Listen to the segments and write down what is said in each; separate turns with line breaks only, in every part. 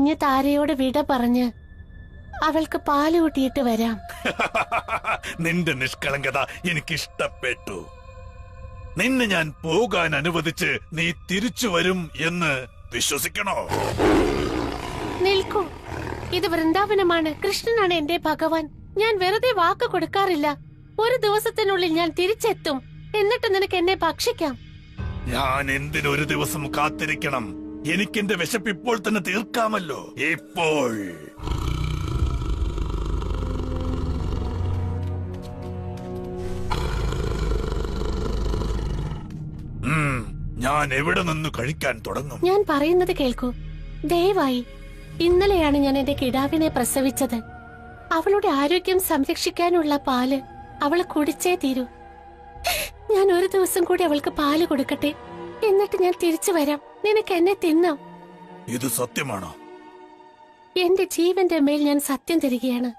കുഞ്ഞു താരയോട് വിട പറഞ്ഞ് അവൾക്ക് പാല് കൂട്ടിയിട്ട് വരാം.
നിന്റെ നിഷ്കളങ്കത എനിക്കിഷ്ടപ്പെട്ടു. നിന്നെ ഞാൻ പോകാൻ അനുവദിച്ച് നീ തിരിച്ചു വരും എന്ന് വിശ്വസിക്കണോ?
നിൽക്കൂ, ഇത് വൃന്ദാവനമാണ്. കൃഷ്ണനാണ് എന്റെ ഭഗവാൻ. ഞാൻ വെറുതെ വാക്ക് കൊടുക്കാറില്ല. ഒരു ദിവസത്തിനുള്ളിൽ ഞാൻ തിരിച്ചെത്തും. എന്നിട്ട് നിനക്ക് എന്നെ ഭക്ഷിക്കാം.
ഞാൻ എന്തിനൊരു ദിവസം കാത്തിരിക്കണം? എനിക്കെന്റെ വിശപ്പ് ഇപ്പോൾ തന്നെ തീർക്കാമല്ലോ. ഇപ്പോൾ ഞാൻ എവിടെ നിന്ന് കഴിക്കാൻ തുടങ്ങും?
ഞാൻ പറയുന്നത് കേൾക്കൂ. ദയവായി, ഇന്നലെയാണ് ഞാൻ എന്റെ കിടാവിനെ പ്രസവിച്ചത്. അവളുടെ ആരോഗ്യം സംരക്ഷിക്കാനുള്ള പാല് അവൾ കുടിച്ചേ തീരൂ. ഞാൻ ഒരു ദിവസം കൂടി അവൾക്ക് പാല് കൊടുക്കട്ടെ. എന്നിട്ട് ഞാൻ തിരിച്ചു വരാം. നിനക്ക് എന്നെ തിന്നാം.
ഇത് സത്യമാണോ?
എന്റെ ജീവന്റെ മേൽ ഞാൻ സത്യം തരികയാണ്.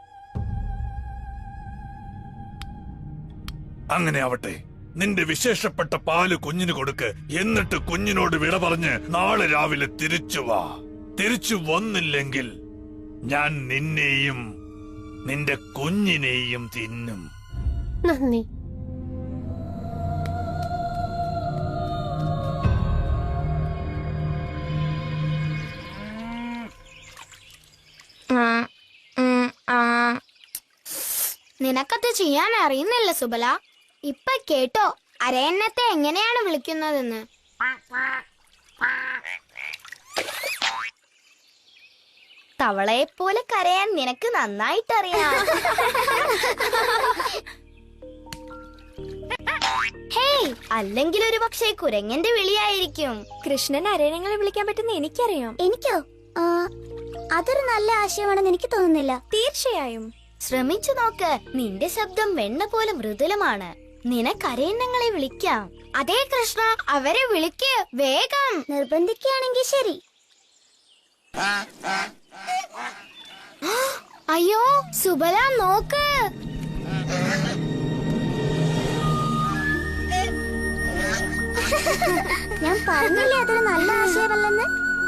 അങ്ങനെ ആവട്ടെ. നിന്റെ വിശേഷപ്പെട്ട പാല് കുഞ്ഞിന് കൊടുക്ക്. എന്നിട്ട് കുഞ്ഞിനോട് വിട പറഞ്ഞ് നാളെ രാവിലെ തിരിച്ചു വാ. തിരിച്ചു വന്നില്ലെങ്കിൽ ഞാൻ നിന്നെയും നിന്റെ കുഞ്ഞിനെയും തിന്നും.
നന്ദി.
നിനക്കത് ചെയ്യാൻ അറിയുന്നില്ല സുബല. ഇപ്പൊ കേട്ടോ അരയന്നത്തെ എങ്ങനെയാണ് വിളിക്കുന്നതെന്ന്. തവളയെ പോലെ കരയാൻ നിനക്ക് നന്നായിട്ടറിയാം. ഹേയ്, അല്ലെങ്കിൽ ഒരു പക്ഷേ കുരങ്ങന്റെ വിളിയായിരിക്കും.
കൃഷ്ണൻ അരയണങ്ങളെ വിളിക്കാൻ പറ്റുന്ന എനിക്കറിയാം.
എനിക്കോ? അതൊരു നല്ല ആശയമാണെന്ന് എനിക്ക് തോന്നുന്നില്ല.
തീർച്ചയായും
ശ്രമിച്ചു നോക്ക്. നിന്റെ ശബ്ദം വെണ്ണ പോലെ മൃദുലമാണ്. നിനക്കരയന്നങ്ങളെ വിളിക്കാം. അതേ കൃഷ്ണ, അവരെ വിളിക്ക് വേഗം. നിർബന്ധിക്കുകയാണെങ്കിൽ ശരി. അയ്യോ സുബല, നോക്ക്. ഞാൻ പറഞ്ഞില്ലേ അതൊരു നല്ല ആശയമല്ലെന്ന്.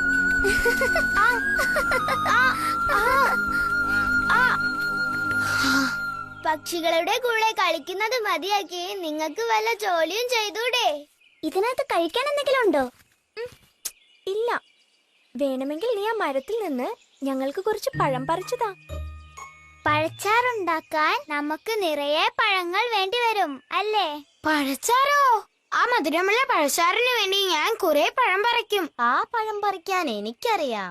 പക്ഷികളുടെ കൂടെ കളിക്കുന്നത് മതിയാക്കി നിങ്ങൾക്ക് വല്ല ജോലിയും ചെയ്തൂടെ? ഇതിനകത്ത് കഴിക്കാൻ എന്തെങ്കിലും ഉണ്ടോ?
ഇല്ല. വേണമെങ്കിൽ നീ ആ മരത്തിൽ നിന്ന് ഞങ്ങൾക്ക് കുറച്ച് പഴം പറിച്ചതാ.
പഴച്ചാറുണ്ടാക്കാൻ നമുക്ക് നിറയെ പഴങ്ങൾ വേണ്ടി വരും അല്ലേ? പഴച്ചാറോ? ആ മധുരമുള്ള പഴച്ചാറിന് വേണ്ടി ഞാൻ കുറെ പഴം പറിക്കും. ആ പഴം പറിക്കാൻ എനിക്കറിയാം.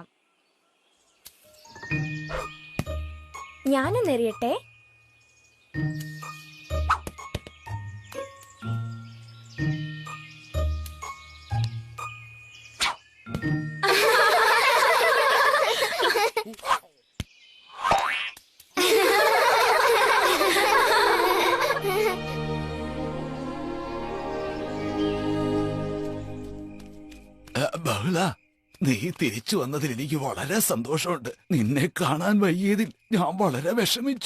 ഞാനൊന്നെറിയട്ടെ.
ബഹുള, നീ തിരിച്ചു വന്നതിൽ എനിക്ക് വളരെ സന്തോഷമുണ്ട്. നിന്നെ കാണാൻ വയ്യതിൽ ഞാൻ വളരെ വിഷമിച്ചു.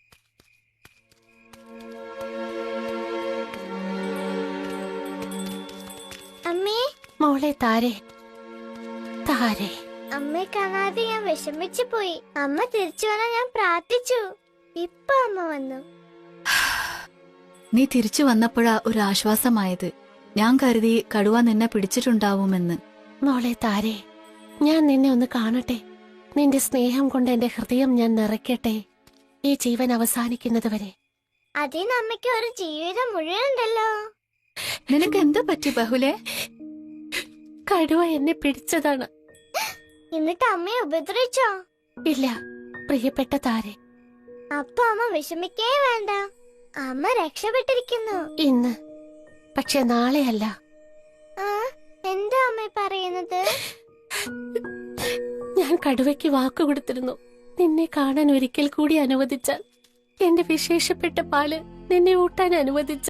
അമ്മേ,
മോളെ താരേ, താരേ,
അമ്മയെ കാണാതെ ഞാൻ വിഷമിച്ചു പോയി. അമ്മ തിരിച്ചു വരാൻ ഞാൻ പ്രാർത്ഥിച്ചു. ഇപ്പൊ അമ്മ വന്നു.
നീ തിരിച്ചു വന്നപ്പോഴാ ഒരു ആശ്വാസമായത്. ഞാൻ കരുതി കടുവ നിന്നെ പിടിച്ചിട്ടുണ്ടാവുമെന്ന്.
മോളെ താരേ, ഞാൻ നിന്നെ ഒന്ന് കാണട്ടെ. നിന്റെ സ്നേഹം കൊണ്ട് എന്റെ ഹൃദയം ഞാൻ നിറയ്ക്കട്ടെ, ഈ ജീവൻ അവസാനിക്കുന്നത് വരെ.
അതിന് അമ്മയ്ക്ക് ഒരു ജീവിതം മുഴുവനുണ്ടല്ലോ.
നിനക്ക് എന്താ പറ്റി ബഹുലേ?
കടുവ എന്നെ പിടിച്ചതാണ്.
എന്നിട്ട് അമ്മയെ ഉപദ്രവിച്ചോ?
ഇല്ല പ്രിയപ്പെട്ട താരേ.
അപ്പൊ അമ്മ വിഷമിക്കേ വേണ്ട. അമ്മ രക്ഷപ്പെട്ടിരിക്കുന്നു.
ഇന്ന്, പക്ഷെ നാളെയല്ല.
എന്താ അമ്മ പറയുന്നത്?
ഞാൻ കടുവയ്ക്ക് വാക്കു കൊടുത്തിരുന്നു. നിന്നെ കാണാൻ ഒരിക്കൽ കൂടി അനുവദിച്ചാൽ, എന്റെ വിശേഷപ്പെട്ട പാല് നിന്നെ ഊട്ടാൻ അനുവദിച്ച